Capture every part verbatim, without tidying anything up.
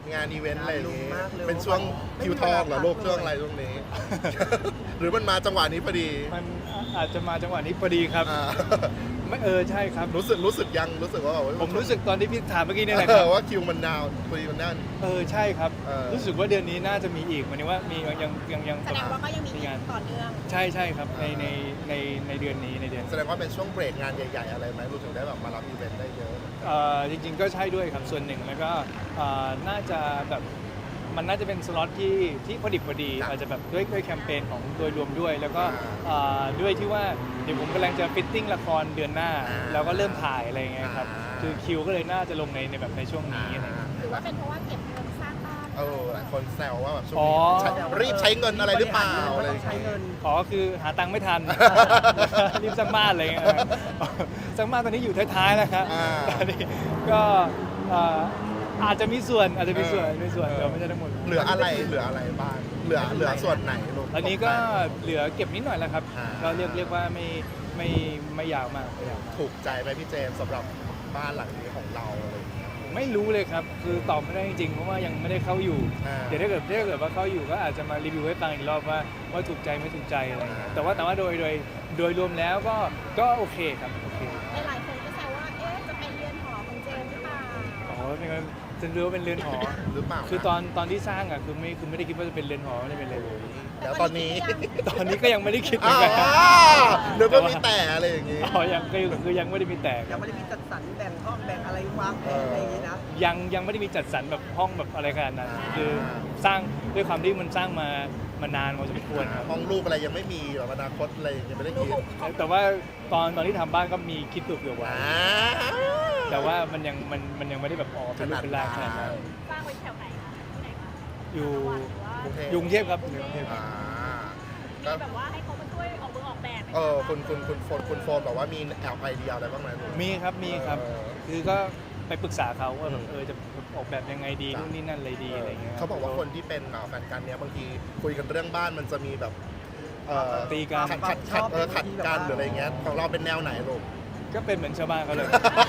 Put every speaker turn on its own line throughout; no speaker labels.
งานอีเวนต์อะไรอย่างงี้
งานลุมมากเลย
เป็นช่วงคิวทองเหรอลูกช่วงอะไรช่วงนี้ หรือมันมาจังหวะนี้พอดี
มันอาจจะมาจังหวะนี้พอดีครับ
อ่า
ไม่เออใช่ครับ
รู้สึกรู้สึกยังรู้สึกว่าแบบ
ผมรู้สึกตอนที่พี่ถามเมื่อกี้นี่แหละ
เอ
ครั
อบ ว่าคิวมันนาวพอดีมันนั่น
เออใช่ครับ
เออ
รู้สึกว่าเดือนนี้น่าจะมีอีกหมันว่ามียังยังยัง
แสดงว่าก็ยังมี
งาน
ต่อเนื่อง
ใช่ใช่ครับในในในในเดือนนี้ในเดือน
แสดงว่าเป็นช่วงเบรกงานใหญ่ๆอะไรไหมรู้ถึงได้แบบมารับอีเวนต์ได้เยอะ
เอ่อจริงๆก็ใช่ด้วยครับส่วนหนึ่งแล้วก็เอ่อน่าจะแบบมันน่าจะเป็นสล็อตที่ที่พอดิบพอดีอาจจะแบบด้วยด้วยแคมเปญของโดยรวมด้วย แล้วก็เอ่อด้วยที่ว่าเดี๋ยวผมกำลังจะฟิตติ้งละครเดือนหน้า แล้วก็เริ่มถ่ายอะไรอย่างเงี้ยครับคือคิวก็เลยน่าจะลงในในแบบในช่วงนี้อะไรอย่างเงี้ย
หรือว่าเป็นเพราะว่าเก็บเงินสร้างบ้าน
เออหลายคนแซวว่าแบบช่วง
อ๋อ
นี้ใช้รีบใช้เงินอะไรหรือเปล่าอะไรอ
ต้อย่าง
ง
ใช้
เงี้ย
เงิน
อ๋อคือหาตังค์ไม่ทัน รีบสร้างบ้านอะไรเงี้ยสร้างบ้านตอนนี้อยู่ท้ายๆแล้วครับ
อ่า
ตอนนี้ก็เอ่ออาจจะมีส่วนอาจจะมีส่วน
เออ
มีส่วนแต่ไม่ใช่ทั้งหมด
เหลืออะไรเหลืออะไรบ้างเหลือเหลือส่วนไหนลูก
อันนี้ก็เหลือเก็บนิดหน่อยแล้วครับ
อ่า
ก็เรียกเรียกว่าไม่ไม่ไม่ยาวมากไม่ยาวมาก
ถูกใจไหมพี่เจมส์สำหรับบ้านหลังนี้ของเราอะไรอย่างเงี้ย
ไม่รู้เลยครับ คือตอบไม่ได้จริงๆเพราะว่ายังไม่ได้เข้าอยู่
อ่า
เดี๋ยวถ้าเกิดถ้าเกิดว่าเข้าอยู่ก็อาจจะมารีวิวให้ฟังอีกรอบว่าว่าถูกใจไม่ถูกใจอะไรเงี้ย
อ่า
แต่ว่าแต่ว่าโดยโดยโดยรวมแล้วก็ก็โอเคครับโอเค
หลายๆคนก็แซวว่า เอ๊ะ จะเป็นเรือนหอของเจมส์หรือเปล่า
อ๋อเป็นไงจะรู้ว่าเป็นเรือนหอ
หรือเปล่า
คือตอนตอนที่สร้างอ่ะคือไม่คือไม่ได้คิดว่าจะเป็นเรือนหอไม่ได้เป็นอะไรเลย
เดี๋ยวตอนนี้
ตอนนี้ก็ยังไม่ได้คิดเหมื
อ๋
อนกัน
อเดี๋ยวก็มีแต่อะไรอย่างงี้
อ๋อยังก็คือยังไม่ได้มีแตก
ยังไม่ได้มีจัดสรรแบ่งห้องแบ่งอะไรวางแผนอะไรอย่างนี้นะ
ยังยังไม่ได้มีจัดสรรแบบห้องแบบอะไรขนาดนั้น
อ่า
คือสร้างด้วยความที่มันสร้างมามานานพอสมควรครับ
ห้องลูกอะไรยังไม่มีหรอกอนาคตอะไรยังไม่ได้คิด
แต่ว่าตอนตอนที่ทำบ้านก็มีคิดตัวเผื่อไว้
อ่า
แต่ว่ามันยังมันมันยังไม่ได้แบบออกเป็นรูปเป็นร่างขนาดนั้น
สร้างไว้แถวไหนคะที่ไหนคะ
อยู่
กรุงเทพ
อยกรุงเทพครับอยู่กรุงเทพ
อ่า
มีแบบว่าให้เขามาช่วยออกมือออกแบบไหม
เออคุณคุณคุณโฟนคุณโฟนบอกว่ามีแอบไอเดียอะไรบ้างไหมลูก
มีครับมีครับ
เออ
คือก็ไปปรึกษาเขาว่าแบบ
อืม
เออจะออกแบบยังไงดี
จ้ะ
นู่นนี่นั่นอะไรดีอะไรเงี้ย
เขาบอกว่าคนที่เป็นอ่าแฟนกันเนี้ยบางทีคุยกันเรื่องบ้านมันจะมีแบบเอ่อ
ตีกัน
ขัดขัดขัดเออขัดกันหรืออะไรเงี้ยของเราเป็นแนวไหนลูก
ก็เป็นเหมือนชาวบ้านเขาเลย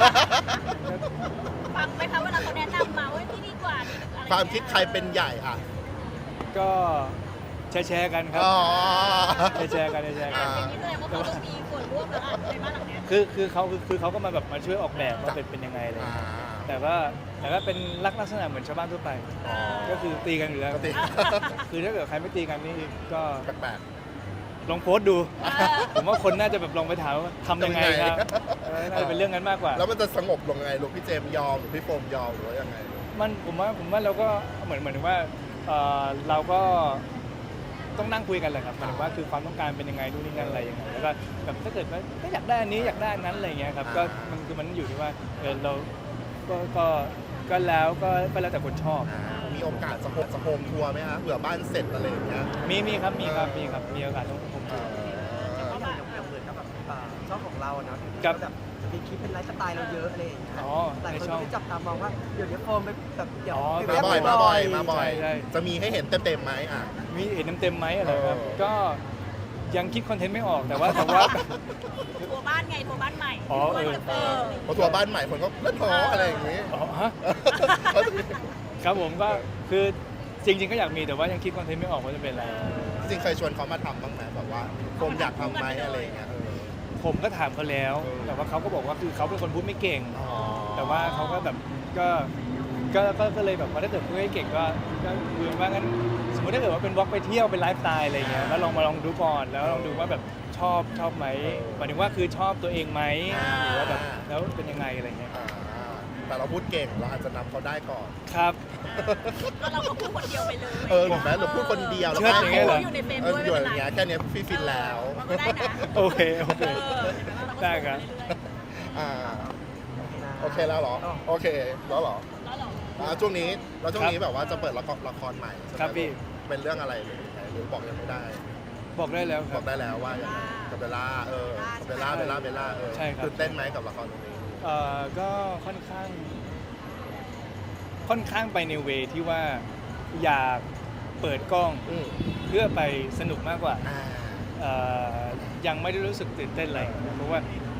ฟังไหมคะเวลาเขาแนะนำมาว่าที่ดีกว่านี่อะไร
ความคิดใครเป็นใหญ่อ่ะ
ก็แชร์แชร์กันครับ
อ๋อ
แชร์แชร์กันแชร์
อ่ะ
กัน
อย่างนี้แสดงว่าเขาต้องมีส่วนร่วมแล้วอ่ะในบ้านหลังเนี้ย
คือคือเขาคือคือเขาก็มาแบบมาช่วยออกแบบว่า
จ้ะ
เป็นเป็นยังไงอะไร
อ่า
เงี้ยแต่ว่าแต่ก็เป็นลักษณะเหมือนชาวบ้านทั่วไป
อ๋อ
ก็คือตีกันอยู่แล้ว
ปกติ
คือถ้าเกิดใครไม่ตีกันนี่ก็
แปลก
ลองโพสต์ดู ผมว่าคนน่าจะแบบลองไปถามว่าทำยังไงครับ
ทำยังไง
เออน่าจะเป็นเรื่องนั้นมากกว่า
ๆแล้วมันจะสงบลงยังไงลูกพี่เจมส์ยอมหรือพี่โฟมยอมหรือว่ายังไง
มันผมว่าผมว่าเราก็เหมือนเหมือนว่าเอ่อเราก็ต้องนั่งคุยกันแหละครับหมายถึงว่าคือความต้องการเป็นยังไงนู่นนี่นั่นอะไรยังไงแล้วก็แบบถ้าเกิดว่าไม่อยากได้อันนี้อยากได้อันนั้นอะไรอย่างเงี้ยครับก็มันคือมันอยู่ที่ว่าเออเราก็ก็ก็แล้วก็ก็แล้วแต่คนชอบ
อ่ามีโอกาสจะโฮมจะโฮมทัวร์ไหมฮะเผื่อบ้านเสร็จอะไรอย่างเงี้ย
มีมีครับมีครับมีครับมีโอกาสต้องผม
เออ
อย่างอย่างเหมือนกับแบบอ่าช่องของเราอะเนาะ
ครับ
แบบมีคลิปเป็นไลฟ์สไตล์เราเยอะอะไรอย่างเงี้ย
อ๋อ
หลาย
ใน
คน
ช่อง
ก็ได้จับตามองว่าเดี๋ยวนี้โฟมไปแบบเดี๋ยว
อ๋อ
ไป
มา
แวะ
บ่อยมาบ่อยมาบ่อย
ใช่ใช่
จะมีให้เห็นเต็มๆไหมอ่ะ
มีเห็นเต็มๆไหมอะไรครับ
เออ
ก็ยังคิดคอนเทนต์ไม่ออกแต่ว่าแต่ว่า
ตัวบ้านไงตัวบ้านใหม่
อ๋อเออ
เออ
พอทัวร์บ้านใหม่คนก็เล่นหออะไรอย่างงี้
อ๋อฮะ ครับผมก็คือจริง ๆ ก็อยากมีแต่ว่ายังคิดคอนเทนต์ไม่ออกว่าจะเป็นอะไร
จริงๆเคยชวนเขามาทำบ้างไหมแบบว่าโฟมอยากทำไหมอะไรอย่างเงี้ยเออ
ผมก็ถามเขาแล้ว
เออ
แต่ว่าเขาก็บอกว่าคือเขาเป็นคนพูดไม่เก่ง
อ๋อ
แต่ว่าเขาก็แบบก็ก็ก็ก็เลยแบบว่าถ้าเกิดพูดไม่เก่งก็ก็คือว่างั้นสมมติถ้าเกิดว่าเป็นวอล์กไปเที่ยวเป็นไลฟ์สไตล์อะไรเงี้ยแล้วลองมาลองดูก่อนแล้วลองดูว่าแบบชอบชอบไหมหมายถึงว่าคือชอบตัวเองไหมหรือว่าแบบแล้วเป็นยังไงอะไรเงี้ย
อ่าแต่เราพูดเก่งเราอาจจะนำเขาได้ก่อน
ครับ
แล้วเราก็พูดคนเดียวไปเลย
เออหรือแม้เราพูดคนเดียวแล้ว
เชิดอย่างเงี้ยเหรอ
อยู่ในเฟรม
เออ
ด้วย
อยู่
ไม่
อ
เป็น
ย่าง
ไร
เงี้ยแค่เนี้ยพี่ฟินแล้ว
มันก็ได้นะ
โอเคโอเค
เออเห็นไหมว่าเราก็
ได้ครับ
อ่าโอเคแล้วเหรอโอเคแล้วเหรอ
แล้วเหรอ
อ่าช่วงนี้เราช่วงนี้แบบว่าจะเปิดละครละครใหม่ใช่ไหม
ครับพี่
เป็นเรื่องอะไรหรือยังไงหรือบอกยังไม่ได้
บอกได้แล้วค
บ
รั
อบ กได้แล้วว่ายังไงกับเบลล่าเออกับเบลล่าเบลล่าเบลล่าเออ
ใช่ครับ
ตื่นเต้นไหมกับละครตรงนี้
เอ่อก็ค่อนข้าง ค่อนข้างไปในเวที่ว่าอยากเปิดกล้อง
อืม
เพื่อไปสนุกมากกว่า
อ่า
เอ่อยังไม่ได้รู้สึกตื่นเต้นอะไรเพราะว่า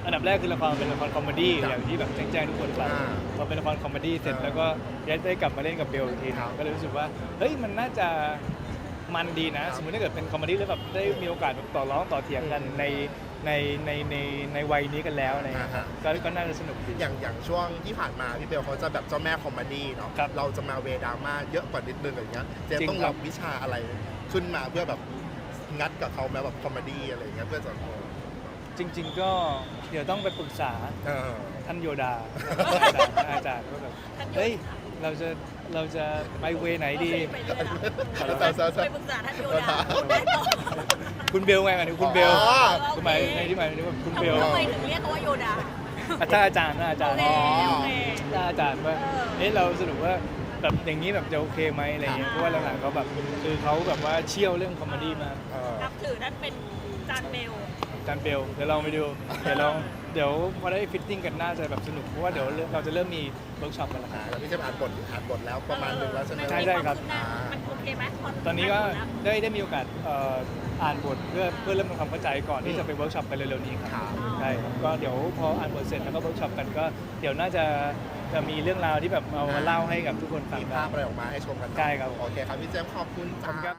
อันดับแรกคือละครเป็นละครคอมเมดี้
ครับ
อย่างที่แบบแจ้งๆทุกคนไป
อ่า
พอเป็นละครคอมเมดี้เสร็จ
อ่า
แล้วก็ได้ได้กลับมาเล่นกับเบลอีกที
ครับ
ก็เลยรู้สึกว่าเฮ้ยมันน่าจะมันดีนะ
ครับ
สมมติถ้าเกิดเป็นคอมเมดี้แล้วแบบได้มีโอกาสแบบต่อร้องต่อเถียงกันในในในในในวัยนี้กันแล้วอะไรเงี้ย
อ่าฮะ
ก็ก็น่าจะสนุกดี
อย่างอย่างช่วงที่ผ่านมาพี่เบลเขาจะแบบเจ้าแม่คอมเมดี้เนาะ
ครับ
เราจะมาเวดราม่าเยอะกว่านิดนึงอะไรเงี้ยเจม
จริง
ต้อง
ครั
รับบ วิชาอะไรขึ้นมาเพื่อแบบงัดกับเขาแม้แบบคอมเมดี้อะไรเงี้ยเพื่อจะ
จริง ๆ ก็เดี๋ยวต้องไปปรึกษา
เออ
ท่านโยดา อาจารย์อาจารย์ว่าแบบเฮ้ยเราจะเราจะไปเวไหนดี
ไปเรื่อยเหรอ
แซวแซวแซว
ไปปรึกษาท่านโยดาได้ต่อ
คุณเบลไงหมายถึงคุณเบล
อ๋อ
คือหมายในที่หมายถึงว่าคุณเบล
ทำไมถึงเรียกเขาว่าโยดา
อาจารย์อาจารย์นะอาจารย์
โอเคโอเค
อาจารย์ว่า
เออ
เอ๊ะเราสรุปว่าแบบอย่างนี้แบบจะโอเคไหมอะไรเงี้ยเพราะว่าหลังๆเขาแบบคือเขาแบบว่าเชี่ยวเรื่องคอมเมดี้มาก
เออ
นับถือท่านเป็นจานเบล
อาจารย์เบลเดี๋ยวลองไปดูเดี๋ยวลองเดี๋ยวพอได้ฟิตติ้งกันน่าจะแบบสนุกเพราะว่าเดี๋ยวเราจะเริ่มมีเวิร์กช็อปกันแล้วค
อ่า
รับ
แล้วพี่เจมอ่านบทอ่านบทแล้วประมาณหนึงแล้วใช่ไหม
ใช่ใช่ครับ
มันโอเคไหมพ
ตอนนี้ก็
อ่าบทแล้ว
ได้ได้มีโอกาสเอ่ออ่านบทเพื่อเพื่อเริ่มทำความเข้าใจก่อนที่จะไปเวิร์กช็อปกันเร็วๆนี้ครับ
ครับ
ใช่ครับก็เดี๋ยวพออ่านบทเสร็จแล้วก็เวิร์กช็อปกันก็เดี๋ยวน่าจะจะมีเรื่องราวที่แบบเอามาเล่าให้กับทุกคนฟัง
มี
ได้
ภาพอะไรออกมาให้ชมกันเนอะ
ใช่ครับ
โอเคครับพี่เจมส์ขอบคุณ
ขอบคุณครั
จ้า
บ